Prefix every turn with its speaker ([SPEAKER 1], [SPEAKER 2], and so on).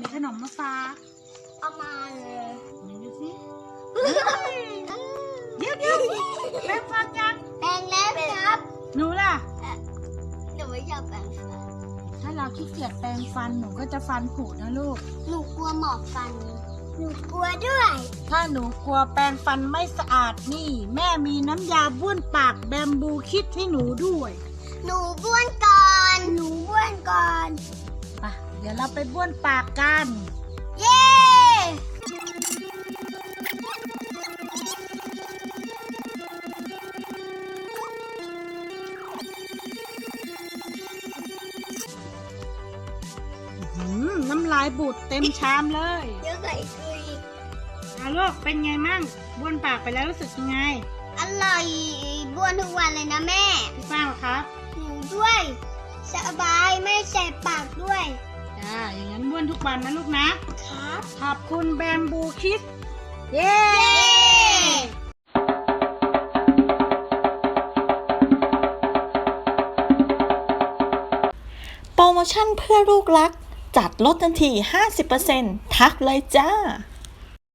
[SPEAKER 1] ขนมมาฝาก
[SPEAKER 2] เอามาเลย
[SPEAKER 1] ไหนดูสิเดี๋ยวแปรงฟันยัง
[SPEAKER 2] แปรงแล้วครับ
[SPEAKER 1] หนูล่ะ
[SPEAKER 2] หนูไม่อยากแปรงฟัน
[SPEAKER 1] ถ้าเราขี้เกียจแปรงฟันหนูก็จะฟันผุนะลูก
[SPEAKER 2] หนูกลัวหมอกฟัน หนูกลัวด้วย
[SPEAKER 1] ถ้าหนูกลัวแปรงฟันไม่สะอาดนี่ แม่มีน้ำยาบ้วนปากแบมบูคิดให้หนูด้วย
[SPEAKER 2] หนูบ้วนก่อน หนูบ้วนก่อน
[SPEAKER 1] ไปเดี๋ยวเราไปบ้วนปากกัน
[SPEAKER 2] เย้
[SPEAKER 1] น้ำลายบูดเต็มชามเลย
[SPEAKER 2] เดี๋ยวใส่คุย
[SPEAKER 1] เอาลูกเป็นไงมั่งบ้วนปากไปแล้วรู้สึกยังไง
[SPEAKER 2] อร่อยบ้วนทุกวันเลยนะแม่
[SPEAKER 1] พี่ป้างเหรอครับ
[SPEAKER 2] หนูด้วย สบายไม่แสบปากด้วย
[SPEAKER 1] จ้าอย่างนั้นบ้วนทุกวันนะลูกนะ
[SPEAKER 2] ครับ
[SPEAKER 1] ขอบคุณแบมบูคิดเย้
[SPEAKER 2] เย้
[SPEAKER 3] โปรโมชั่นเพื่อลูกรัก จัดลดทันที 50%ทักเลยจ้า